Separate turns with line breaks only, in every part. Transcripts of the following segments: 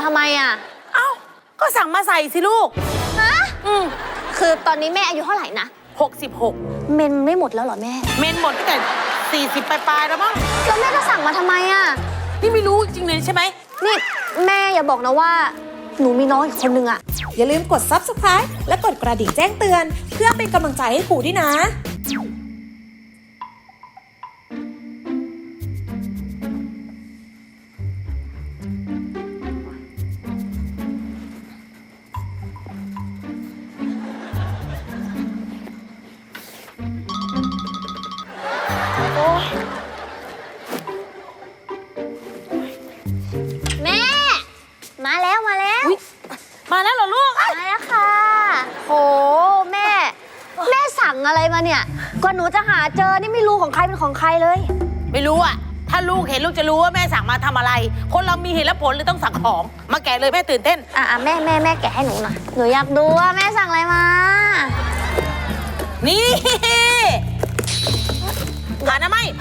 มาทำไมอ่ะ
เอ้าก็สั่งมาใส่สิลูก
ฮะคือตอนนี้แม่อายุเท่าไหร่นะ
66
เมนไม่หมดแล้วเหรอแม่
เมนหมดตั้งแต่40ปลายๆแล้วมั้ง
แล้วแม่ก็สั่งมาทำไมอ่ะ
นี่ไม่รู้จริงเลยใช่ไหม
นี่แม่อย่าบอกนะว่าหนูมีน้องอีกคนนึงอ่ะ
อย่าลืมกด Subscribe และกดกระดิ่งแจ้งเตือนเพื่อเป็นกำลังใจให้ครูด้วยนะ
แม่มาแล้ว
มาแล้วเหรอลูก
มาแล้วค่ะโหแม่สั่งอะไรมาเนี่ยกว่าหนูจะหาเจอนี่ไม่รู้ของใครเป็นของใครเลย
ไม่รู้อ่ะถ้าลูกเห็นลูกจะรู้ว่าแม่สั่งมาทำอะไรคนเรามีเหตุและผลเลยต้องสั่งของมาแกะเลยแม่ตื่นเต้น
แม่แกะให้หนูหน่อยหนูอยากดูว่าแม่สั่งอะไรมา
นี่ผ่านะไม่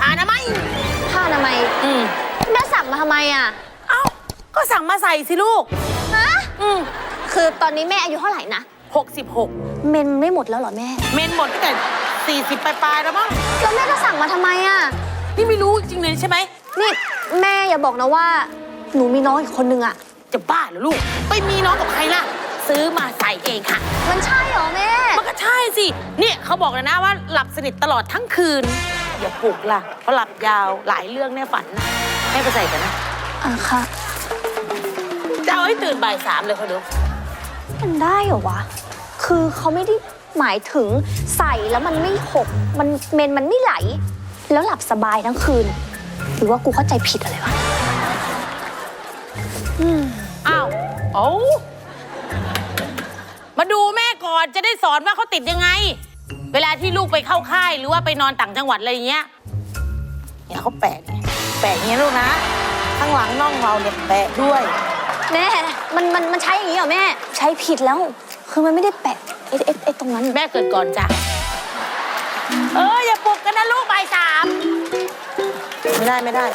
แม่สั่งมาทำไมอ่ะ
เอ้าก็สั่งมาใส่สิลูก
ฮะคือตอนนี้แม่อายุเท่าไหร่นะ
66
เมนไม่หมดแล้วเหรอแม่
เมนหมดตั้งแต่40ปลายๆแล้วมั้ง
แล้วแม่ก็สั่งมาทำไมอ่ะ
นี่ไม่รู้จริงเลยใช่ไหม
นี่แม่อย่าบอกนะว่าหนูมีน้องอีกคนนึงอ่ะ
จะบ้าเหรอลูกไปมีน้องกับใครล่ะซื้อมาใส่เองค่ะ
มันใช่เหรอแม่
มันก็ใช่สิเนี่ยเขาบอกเลยนะว่าหลับสนิทตลอดทั้งคืนอย่าปลุกล่ะเพราะหลับยาวหลายเรื่องแน่ฝันนะแม่ไปใส่กันนะ
ค่ะ
จะเอาให้ตื่นบ่าย3เลยเขาดู
มันได้เหรอวะคือเขาไม่ได้หมายถึงใส่แล้วมันไม่หกมันเมนมันไม่ไหลแล้วหลับสบายทั้งคืนหรือว่ากูเข้าใจผิดอะไรวะ
อ้าวมาดูแม่ก่อนจะได้สอนว่าเขาติดยังไงเวลาที่ลูกไปเข้าค่ายหรือว่าไปนอนต่างจังหวัดอะไรอย่างเงี้ยเนี่ยเขาแปะอย่างเงี้ยลูกนะข้างหลังน่องเราเนี่ยแปะด้วย
แม่มันใช้อย่างนี้เหรอแม่ใช้ผิดแล้วคือมันไม่ได้แปะไอ้ตรงนั้น
แม่เกิดก่อนจ้ะอย่าปลุกกันนะลูกบ่าย3ไม่ได้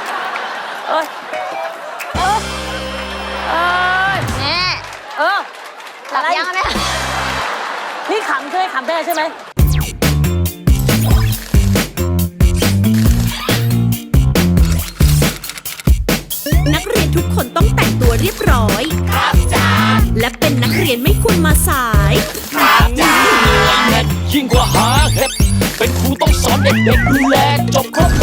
แม่หลับยังแม่
นี่ขำใช่ไหม
นักเรียนทุกคนต้องแต่งตัวเรียบร้อยครับจ้าและเป็นนักเรียนไม่ควรมาสาย
ครับจ้ายิ่งกว่าหาเห็ดเป็นครูต้องสอนเด็กๆดูแลจบครบ